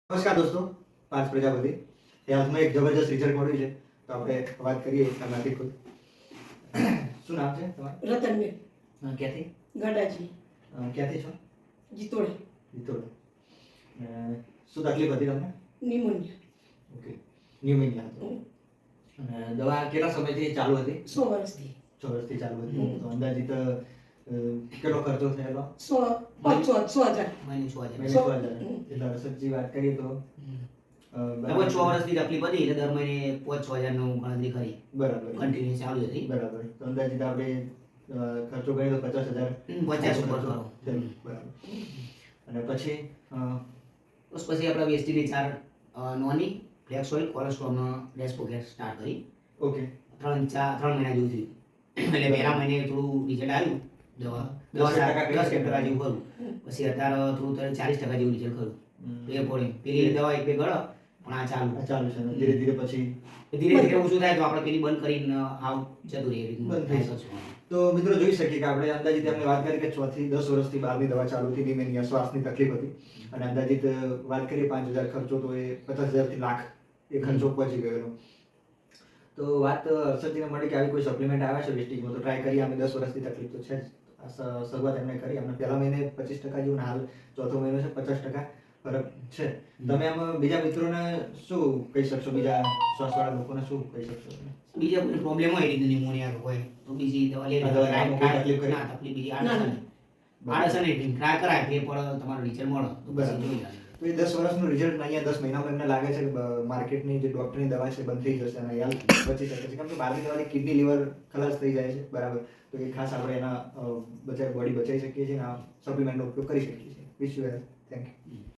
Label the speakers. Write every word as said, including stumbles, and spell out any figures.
Speaker 1: નમસ્કાર દોસ્તો, પાંચ પ્રજાપતિ હાલમાં એક જબરજસ્ત રિઝલ્ટ મળ્યું છે, તો આપણે વાત કરીએ એમનાથી ખુદ. શું નામ છે તમારું?
Speaker 2: રતનબેન
Speaker 1: અ, ક્યાંથી
Speaker 2: ગાડાજી
Speaker 1: અ, ક્યાંથી છો?
Speaker 2: જીતોડે
Speaker 1: વિતોડ. શું તકલીફ હતી તમને?
Speaker 2: નિમોનિયા
Speaker 1: ઓકે, ન્યુમોનિયા હતો. અને દવા કેટલા સમયથી ચાલુ હતી?
Speaker 2: સો વર્ષથી
Speaker 1: છ વર્ષથી ચાલુ હતી.
Speaker 2: હમ.
Speaker 1: તો અંદાજિત અ, કેટલો ખર્ચો થયેલો?
Speaker 2: સો પાંચસો સો હજાર
Speaker 3: મહિને છ હજાર.
Speaker 1: મહિને છ
Speaker 2: સો-
Speaker 1: હજાર.
Speaker 2: હમ.
Speaker 1: એટલે હર્ષદજી વાત કરીએ તો અ,
Speaker 3: લગભગ છ વર્ષની તકલીફ હતી એટલે દર મહિને પાંચ છ હજાર નું ગણતરી કરી
Speaker 1: બરાબર
Speaker 3: કન્ટિન્યુ ચાલુ હતી.
Speaker 1: બરાબર. તો અંદાજિત આપણે અ, ખર્ચો કરીએ તો પચાસ હજાર
Speaker 3: પચાસ ઉપર
Speaker 1: ખર્ચો
Speaker 3: ખરો.
Speaker 1: થયો. બરાબર. અને પછી અ,
Speaker 3: બસ પછી આપણે વેસ્ટીની ચાર અ, નોની ફ્લેક્સ ઓઇલ કોલેસ્ટ્રોલનો ડેસ્પોગેટ સ્ટાર્ટ કરી
Speaker 1: ઓકે
Speaker 3: ત્રણ ચાર ત્રણ મહિના જેવું થયું. એટલે પહેલા મહિને થોડું રિઝલ્ટ આવ્યું દવા
Speaker 1: દસ
Speaker 3: દસ
Speaker 1: ટકા
Speaker 3: દસ ટકા જેવું ખરું. પછી અત્યારે થોડું ચાલીસ ટકા જેવું રિઝલ્ટ ખરું. તો એ પડે પેલી દવા એક બે ગળો પણ આ ચાલુ
Speaker 1: આ ચાલુ છે. ધીરે ધીરે પછી
Speaker 3: ધીરે ધીરે ઓછું થાય તો આપણે પેલી બંધ કરીને આવ જતું રહે એ રીતનું
Speaker 1: બંધ થઈ
Speaker 3: થાય શકશું.
Speaker 1: તો મિત્રો જોઈ શકીએ કે આપણે અંદાજિત એમને વાત કરી કે છ થી દસ વર્ષથી બહારની દવા ચાલુ હતી, નિમોનિયા શ્વાસની તકલીફ હતી. અને અંદાજિત અ, વાત કરીએ પાંચ હજાર ખર્ચો, તો એ પચાસ હજારથી લાખ એ ખર્ચો પહોંચી ગયેલો. તો વાત અ, હર્ષદજીને મળી કે આવી કોઈ સપ્લિમેન્ટ આવે છે વેસ્ટીજમાં, તો ટ્રાય કરીએ. અમે દસ વર્ષથી તકલીફ તો છે જ. આ સ- શરૂઆત એમને કરી. અમને પહેલા મહિને પચીસ ટકા જેવું, અને હાલ ચોથો મહિનો છે, પચાસ ટકા ફરક છે. તમે આમ બીજા મિત્રોને શું કહી શકશો? બીજા શ્વાસવાળા લોકોને શું કહી શકશો તમે?
Speaker 3: બીજા કોઈ પ્રોબ્લેમ હોય એ રીતનું નિમોનિયા હોય તો બીજી દવા લે
Speaker 1: આ દવા નામ કોઈ તકલીફ ખરી?
Speaker 3: ના તકલીફ બીજી
Speaker 2: ના,
Speaker 3: આડઅસર
Speaker 2: ના.
Speaker 3: નહીં. આડઅસર નહીં ટ્રાય કરાય તે પણ તમારો રિઝલ્ટ મળે તો પછી
Speaker 1: બરાબર.
Speaker 3: જોઈ જાય.
Speaker 1: તો એ દસ વર્ષનું રિઝલ્ટ અહીંયા દસ મહિનામાં એમને લાગે છે કે બ- માર્કેટની જે ડૉક્ટરની દવા છે બંધ થઈ જશે અને અહીંયા બચી શકે છે. કેમ કે બહારની દવાથી કિડની લીવર ખલાસ થઈ જાય છે. બરાબર. તો એ ખાસ આપણે એના અ, બચાવ બોડી બચાવી શકીએ છીએ અને આ સપ્લિમેન્ટનો ઉપયોગ કરી શકીએ છીએ. Wish you health. Thank you.